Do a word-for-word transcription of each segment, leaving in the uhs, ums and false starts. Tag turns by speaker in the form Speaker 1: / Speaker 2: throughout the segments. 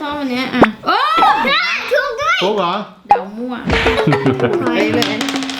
Speaker 1: ส้มอันเนี้ยอ่ะโอ้
Speaker 2: ถูกด้วย
Speaker 3: ถูกเหรอ
Speaker 1: เดามั่วไปเลย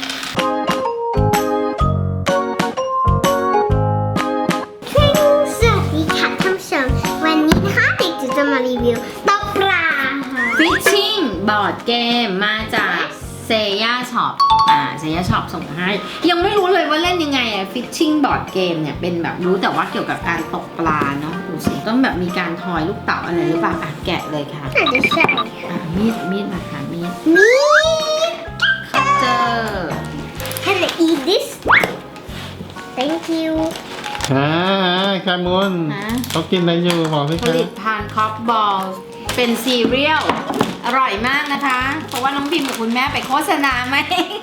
Speaker 2: สวัสดีค่ะท่านผู้ชมวันนี้นะคะเด็กจะมารีวิวตกปลาค่ะ
Speaker 1: ฟิชชิ่งบอร์ดเกมมาจากเซย่าช็อปอ่าเซย่าช็อปส่งมาให้ยังไม่รู้เลยว่าเล่นยังไงอะฟิชชิ่งบอร์ดเกมเนี่ยเป็นแบบรู้แต่ว่าเกี่ยวกับการตกปลาเนาะดูสิต้องแบบมีการทอยลูกเต๋าอะไรหรือเปล่าอ่ะแกะเลยค่ะ
Speaker 2: อาจจะใช่
Speaker 1: อ่ะมีดมีดมาค่ะมีด
Speaker 2: นี่
Speaker 1: เจอ
Speaker 2: Can I eat this Thank you
Speaker 3: อ่าแคมูนเขากินอะไรอยู่บอกพี่
Speaker 1: ผลิตภัณฑ์คอฟบอลเป็นซีเรียลอร่อยมากนะคะ เพราะว่าน้องพิมกับคุณแม่ไปโฆษณาไหม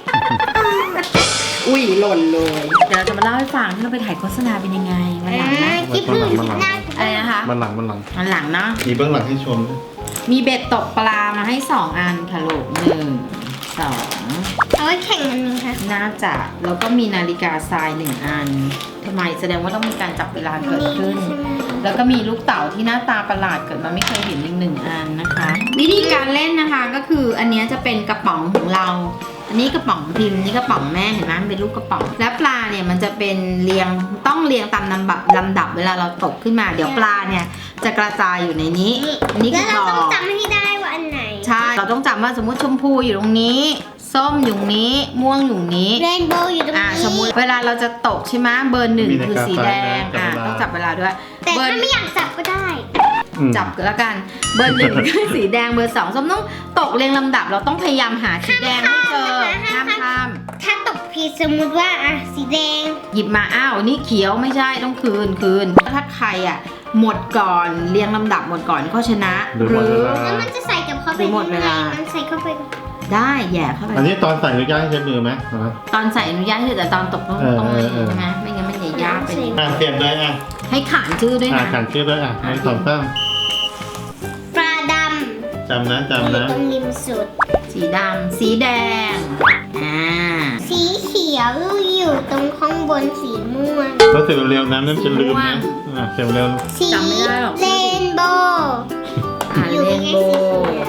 Speaker 1: อุ้ยหล่นเลยเดี๋ยวเราจะมาเล่าให้ฟังที่เราไปถ่ายโฆษณาเป็นยังไงวันหลังนะ
Speaker 2: กิ๊บมือหน้า
Speaker 1: อะไรนะคะ
Speaker 3: มันหลังมันหลัง
Speaker 1: วันหลังเนาะ
Speaker 3: มีเบื้องหลังให้ชม
Speaker 1: มีเบ็ดตกปลามาให้สองอันค่ะลูกหนึ่งสอง
Speaker 2: เอาไว้แข่งกันนึงค่ะ
Speaker 1: น่าจะแล้วก็มีนาฬิกาทรายหนึ่งอันทำไมแสดงว่าต้องมีการจับเวลาเกิดขึ้น แล้วก็มีลูกเต๋าที่หน้าตาประหลาดเกิดมาไม่เคยเห็นอีกหนึ่งอันนะคะ วิธีการเล่นนะคะก็คืออันนี้จะเป็นกระป๋องของเรา อันนี้กระป๋องพิมพ์นี่กระป๋องแม่เห็นไหมมันเป็นลูกกระป๋องและปลาเนี่ยมันจะเป็นเรียงต้องเรียงตามลำดับลำดับเวลาเราตกขึ้นมาเดี๋ยวปลาเนี่ยจะกระจายอยู่ในนี้นี่
Speaker 2: แล้
Speaker 1: คื
Speaker 2: ว
Speaker 1: อ
Speaker 2: เรา
Speaker 1: บ่อ
Speaker 2: ต้องจำให้ได้ว่าอันไหน
Speaker 1: ใช่เราต้องจำว่าสมมติชมพูอยู่ตรงนี้ส้มอยู่ตรงนี้ม่วงอยู่ตรงนี้
Speaker 2: เรนโบว์อยู่ตรง
Speaker 1: อ่า
Speaker 2: นี้
Speaker 1: สมมุติเวลาเราจะตกใช่ไหมเบอร์หนึ่งคือสีแดงอ่าต้องจับเวลาด้วย
Speaker 2: แต่ถ้าไม่อยากจับก็ได้
Speaker 1: จับก็แล้วกันเบอร์หนึ่งคือสีแดงเบอร์สองส้มต้องตกเรียงลำดับเราต้องพยายามหาสีแดงให้เจอห้ามข้าม
Speaker 2: ถ้าตกผิดสมมุติว่าอ่ะสีแดง
Speaker 1: หยิบมาอ้าวนี่เขียวไม่ใช่ต้องคืนคืนถ้าใครอ่ะหมดก่อนเรียงลำดับหมดก่อนก็ชนะหรือ
Speaker 2: แล้วมันจะใส่กับเข้าไป
Speaker 1: หรือหมดเวลา
Speaker 2: มันใส่เข้าไป
Speaker 1: ได้แย่เข้าไป
Speaker 3: อันนี้ตอนใส่หรือย่างให้ใช้มือไหม
Speaker 1: ตอนใส่อนุญาตให้แต่ตอนตกต้อง
Speaker 3: เออ
Speaker 1: ต้อง
Speaker 3: เอ
Speaker 1: มี
Speaker 3: อเออ
Speaker 1: ใช่ไหมไม่งั้นมันจะยากไป
Speaker 3: อ่ะเสียบเลยอ่ะ
Speaker 1: ให้ขานชื่อด้วย
Speaker 3: อ่ะ
Speaker 1: นะ
Speaker 3: ขันชื่อด้วยอ่ะให้สองตั้ง
Speaker 2: ปลาด
Speaker 3: จำนะ
Speaker 2: ำ
Speaker 3: จำ
Speaker 2: อยู่
Speaker 3: นะ
Speaker 2: ตรงริมสุด
Speaker 1: สีดำสีแดงอ่า
Speaker 2: สีเขียวอยู่ตรงข้างบนสีม่วง
Speaker 3: แล้วเสียบเร็วๆนะนั่นจะลืมนะอ่ะเสียบเร็ว
Speaker 2: สี
Speaker 1: จำไม่ได้หรอก
Speaker 2: เรนโบว์
Speaker 1: อ่า
Speaker 2: อยู่
Speaker 1: เร
Speaker 2: ใกล้
Speaker 1: น
Speaker 2: ๆ
Speaker 1: โบ
Speaker 2: สี
Speaker 1: ว์
Speaker 2: เขียว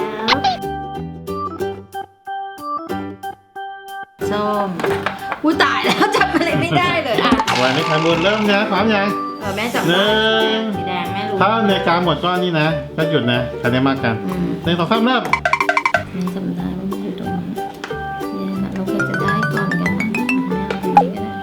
Speaker 1: ส้มอู้ตายแล้วจำอะไรไม่ได้เลยอ่ะ
Speaker 3: วันนี้แคมูนเริ่มนะพร้อมยัง
Speaker 1: เออแม่จำ
Speaker 3: หนึ่
Speaker 1: ได้
Speaker 3: ง
Speaker 1: สีแดงแม่รู้
Speaker 3: ถ้าอเมริกาหมดก็นี่นะ ก็หยุดนะคะแนนมากกัน
Speaker 1: อืม
Speaker 3: หนึ่งสองสามเริ่ม
Speaker 1: แม่จำได้ว่ามันอยู่ตรงนี้เนี่ยนะเราเคยจะได้ก่อนกันนะแม่เอาตรงนี้ก็ได้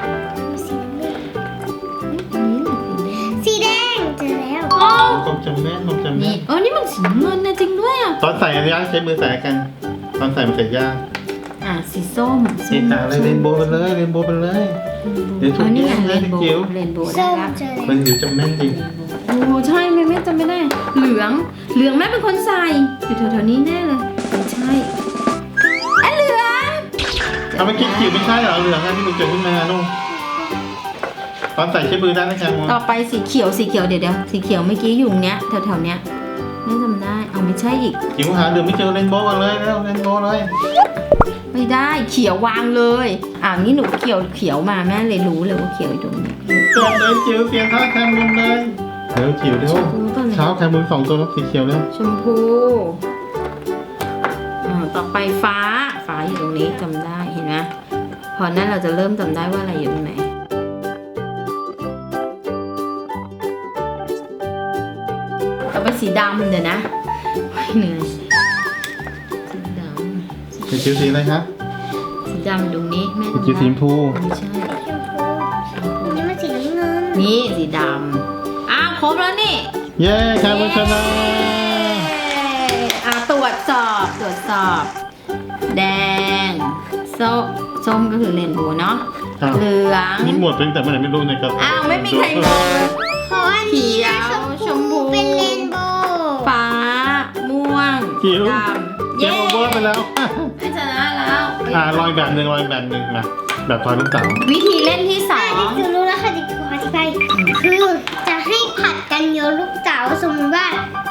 Speaker 1: อันนี้แหละสีแดง
Speaker 2: สีแดงเจอแล้ว
Speaker 1: อ๋อ
Speaker 3: ผมจำแม่นผมจำแม่
Speaker 1: นี่
Speaker 3: น
Speaker 1: เออนี่มันสีน้ำเงินนะจริงด้วยอ่ะ
Speaker 3: ตอนใส่อนุญาตใช้มือใส่กัน ตอนใส่มันใส่ยาก
Speaker 1: อ่ะสีส้ม
Speaker 3: สีตาเลยเรนโบว์ไปเลยเรนโบว์ไปเลย เดี๋ยวถู
Speaker 1: เอก อนี่ไง
Speaker 3: แย
Speaker 1: เร
Speaker 3: ก
Speaker 1: น
Speaker 3: นะ
Speaker 1: โบ
Speaker 3: จิ๋ว
Speaker 1: ว์เรนโบว์ได้
Speaker 2: ส้ม
Speaker 1: ละ
Speaker 2: เจอ
Speaker 3: มัน
Speaker 2: แล้ว
Speaker 3: จิ๋วจำแม่นจริง
Speaker 1: โอ้ใช่แม่แม่จำไม่ได้ เหลืองเหลืองแม่เป็นคนใส่อยู่แถวๆนี้แน่เลยไม่ใช่อ่ะเหลือง
Speaker 3: เอาเมื่อกี้จิ๋วไม่ใช่เหรอเหลืองอะที่มันเกิดขึ้นมาลูกตอนใส่ใช้มือได้นะครับ
Speaker 1: ต่อไปสีเขียวสีเขียวเดี๋ยวเดี๋ยวสีเขียวเมื่อกี้อยู่เนี้ยแถวๆเนี้ยแม่จำได้เอาไม่ใช่อีก
Speaker 3: จิ๋วหาเหลืองไม่เจอเรนโบว์กันเลยแล้วเรนโบว์เลย
Speaker 1: ไม่ได้เขียววางเลยอ่านี่หนูเขียวเขียวมาแม่เลยรู้เลยว่าเขียวอยู่ตรงนี้
Speaker 3: เปลี่ยนเลยจิ๋วเปลี่ยนท่าแคมมุนเลยเร็วจิ๋วเร็ว
Speaker 1: ชมพูป่ะเนี่ย
Speaker 3: เช้าแคมมุนสองตัวแล้วสีเขียวแล้ว
Speaker 1: ชมพูอ่าต่อไปฟ้าฟ้าอยู่ตรงนี้จำได้เห็นไหมพอนั้นเราจะเริ่มจำได้ว่าอะไรอยู่ตรงไหนต่อไปสีดำเดี๋ยวนะโอ้ยเหนื่อยสีดำ
Speaker 3: จิ๋วสีอะไรครับ
Speaker 1: สีดำอยู่ตรงนี้แม่จำได้
Speaker 3: จิ๋วสีชมพู
Speaker 1: ไม่ใช่
Speaker 2: ชมพูนี่มันสีน้ำเงิน
Speaker 1: นี่สีดำอ้าวครบแล้วนี่
Speaker 3: เย้แคมมุนชนะ
Speaker 1: อ่ะตรวจสอบตรวจสอบ แดงส้มส้มก็คือเรนโบว์เนาะ
Speaker 3: อ้าว
Speaker 1: เหลือง
Speaker 3: นี่หมดเป็นแต่เมื่อไหร่ไม่รู้ในกระ
Speaker 1: อ้าวไม่มีใครงงเลย
Speaker 2: เพราะอันนี้นะ
Speaker 1: เขียวชมพู
Speaker 2: เป็นเรนโบว์
Speaker 1: ฟ้า ม่วง
Speaker 3: จิ๋ว
Speaker 1: ดำ
Speaker 3: เกมโอเวอร์ไปแล้ว
Speaker 1: ไม่ชนะแล้ว
Speaker 3: อ่าลอยแบบหนึ่งลอยแบบหนึ่งมาแบบทอยลูกเต๋า
Speaker 1: วิธีเล่นที่สอ
Speaker 2: อ่ะ
Speaker 1: ง
Speaker 2: ดิฉันรู้แล้วค่ะดิฉันขออธิบายคือจะให้ผัดกันโยนลูกเต๋าสมมติว่า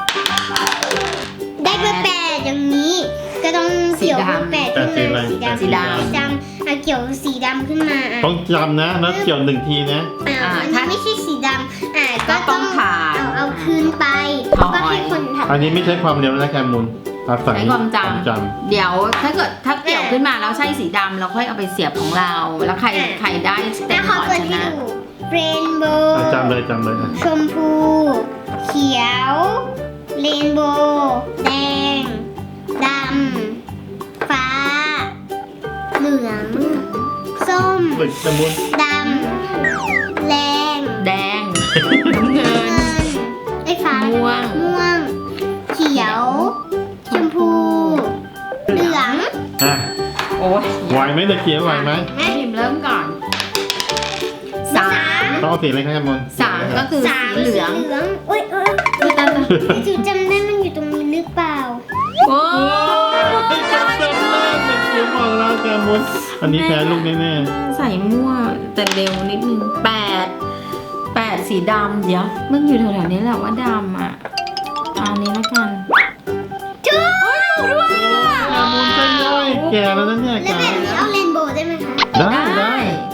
Speaker 2: ได้เบอร์แปดอย่างนี้ ก็ต้องเกี่ยวเบอร์แปดขึ้นมาสีดำสีดำอ่ะเกี่ยวสีดำขึ้นมาอ่ะ
Speaker 3: ต้องจำนะแล้วเกี่ยวหนึ่งทีนะ
Speaker 2: อ่าอันนี้ไม่ใช่สีดำอ่าก็
Speaker 1: ก็ต้
Speaker 2: ต้
Speaker 1: อ
Speaker 2: อง ง
Speaker 1: ผ่าน
Speaker 2: เอาเอาคืนไป
Speaker 1: ถอย
Speaker 2: ก็ทใช่คนทำ
Speaker 3: อันนี้ไม่ใช่ความเร็วนะแคมูลอาศัย
Speaker 1: ใช้ความจ
Speaker 3: จ
Speaker 1: ำเดี๋ยวถ้าเกิดถ้าเกี่ยวขึ้นมาแล้วใช่สีดำเราค่อยเอาไปเสียบของเรา แล้วใครใครได้เต็
Speaker 2: แล้
Speaker 1: ม
Speaker 2: ว
Speaker 1: ก่
Speaker 2: เขา
Speaker 1: อน
Speaker 2: เกิด
Speaker 1: ช
Speaker 2: ให้
Speaker 1: นะ
Speaker 2: ดูเรนโบ
Speaker 3: ำ
Speaker 2: ว์
Speaker 3: อ่ะจำเลยจำเลยอ่ะ
Speaker 2: ชมพู เขียวเรนโบว์แดงดำฟ้า เหลือง ส้ม
Speaker 3: เฮ้ยแคมูล
Speaker 2: ดำแดง
Speaker 1: แดงน้ำเงิน
Speaker 2: เงินไอ้ฟ้า
Speaker 1: ม่วง
Speaker 2: ม่วง เขียว ชมพู เหลือง
Speaker 3: อ่ะ
Speaker 1: โอ้ย
Speaker 3: ไหวไหมตะเกียบไหวไหม
Speaker 1: แม่พิมพ์เริ่มก่อนสาม
Speaker 3: ต้องเอาสีอะไรครับแคมูล
Speaker 1: สามก็คือ
Speaker 2: สา
Speaker 1: สี
Speaker 2: ม
Speaker 1: เหลือง
Speaker 2: สีเหลืองโอ้ยเอ้ย
Speaker 1: อุ๊ยตายตาย
Speaker 2: จูจำได้มันอยู่ตรงนี้หรือเปล่า
Speaker 1: โอ้
Speaker 3: โอ้ยจำได้แล้วตะเกียบบอกแล้วแคมูลอันนี้แพ้ลูกแน่
Speaker 1: ใส่มั่วแต่เร็วนิดนึงแปดแปดสีดำเดี๋ยวมันอยู่แถวๆนี้แหละว่าดำอ่ะเอาอันนี้แล้วกัน
Speaker 2: จู
Speaker 1: ด้วยอ่ะ
Speaker 3: ๆแคมูลใช่ย่อยแก่แล้วนะเนี่ย
Speaker 2: แล้ว
Speaker 3: แก่
Speaker 2: แบบนี้เอาเรนโบว์ได้ไหมคะ
Speaker 3: ได้ได้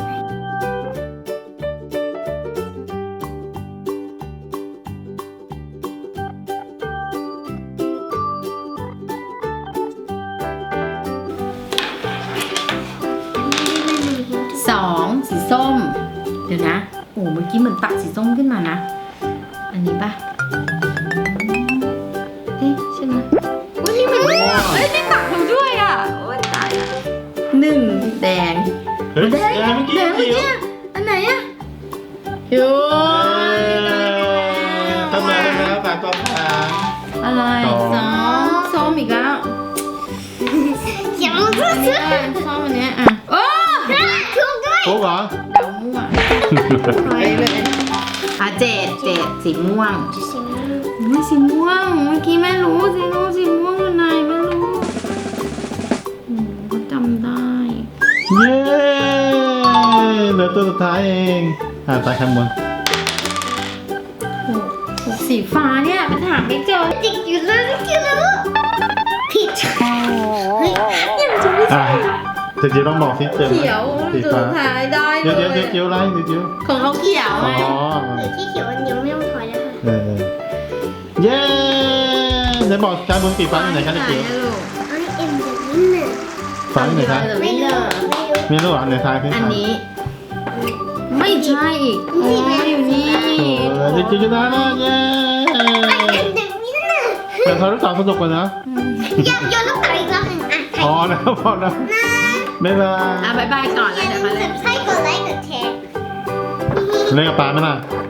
Speaker 1: สองสีส้ม เดี๋ยวนะโอ้เมื่อกี้เหมือนตัดสีส้มขึ้นมานะ อันนี้ปะเอ๊ะใช่ไหมวันนี้มันเอ้ยไม่ตัดเราด้วยอ่ะโอ้ยตายละหนึ่งแดง
Speaker 3: เฮ้ย
Speaker 1: แด
Speaker 3: แก่
Speaker 1: ง
Speaker 3: เมื่อกี้
Speaker 1: แดงเมื่อ
Speaker 3: เขียว
Speaker 1: กี้อันไหนอ่ะโอ้ย
Speaker 3: ทำไมแล้วสามต่อสาม
Speaker 1: อะไร
Speaker 3: สอง
Speaker 1: สองส้มอีกแล้ว
Speaker 2: เขียวมันก็
Speaker 1: อัน
Speaker 2: ซื้
Speaker 1: นี้
Speaker 2: อ
Speaker 1: อ่ะส้มอันเนี้ยอ่ะโอ้
Speaker 2: ถูกด้วย
Speaker 3: โป๊กเหรอ
Speaker 1: เดามั่วไปเลยอ่ะเจ็ดเจ็ดสีม่วง ไม่สีม่วง เมื่อกี้แม่รู้สีม่วงสีม่วงอยู่ไหนไม่รู้อืมก็จำได้
Speaker 3: เย้เหลือตัวสุดท้ายเองอ่าตายแคมูล
Speaker 1: หกหกสีฟ้าเนี่ยมันหาไม่เจอ
Speaker 2: ติดอยู่เลยติดอยู่ผิดเฮ้ย
Speaker 1: ยังจะไม่
Speaker 3: อ่าจะจีต้องบอกสิเจอไหม
Speaker 1: เขียว
Speaker 3: สี
Speaker 1: สุ
Speaker 3: ฟ้า
Speaker 1: ดท้ายได้เล
Speaker 3: เดี๋ยวย เดี๋ยวเดี๋ยวเดี๋ยวไรเดี๋ยวเดี๋ยว
Speaker 1: ของเขาเขียว
Speaker 3: อ๋
Speaker 1: ไง
Speaker 3: อ
Speaker 2: หรือที่เขียวอันเดียวไม่ต้องถอยแล้วค่ะ
Speaker 3: เออเออเย้เดี๋ยวบอกการบนสีฟ้าอยู่ไหนคะตะเกียบ
Speaker 1: ลูก
Speaker 2: อันนี้เอ็มแบบนี้น่ะ
Speaker 3: ฟ้าอยู่ไหนคะ
Speaker 2: ไม่รู้ไม่รู้
Speaker 3: ไม่รู้อ่ะในทายขึ้น
Speaker 1: อัน
Speaker 3: ฟ้า
Speaker 1: นี้ ไม่ใช่อีกอ๋ออยู่นี่
Speaker 3: โอ้ยเด็กจิ๋วชนะแล้วเย้
Speaker 2: อันแบบนี้น่ะ
Speaker 3: แต่เขารู้จักสนุกกว่านะ
Speaker 2: อยากโยนลูกเต๋าอีกรอบหนึ่งอ่ะ
Speaker 3: พอนะพอนะบ๊ายบาย
Speaker 1: อ่ะบายบายก่อน
Speaker 2: อ
Speaker 1: แล้ว
Speaker 2: ย่า
Speaker 1: เดี๋ยว
Speaker 2: ลื
Speaker 1: มาเล่น
Speaker 2: มกดไลค์กดแชร์
Speaker 3: เล่นกับปลาไหมล่ะ
Speaker 2: ไ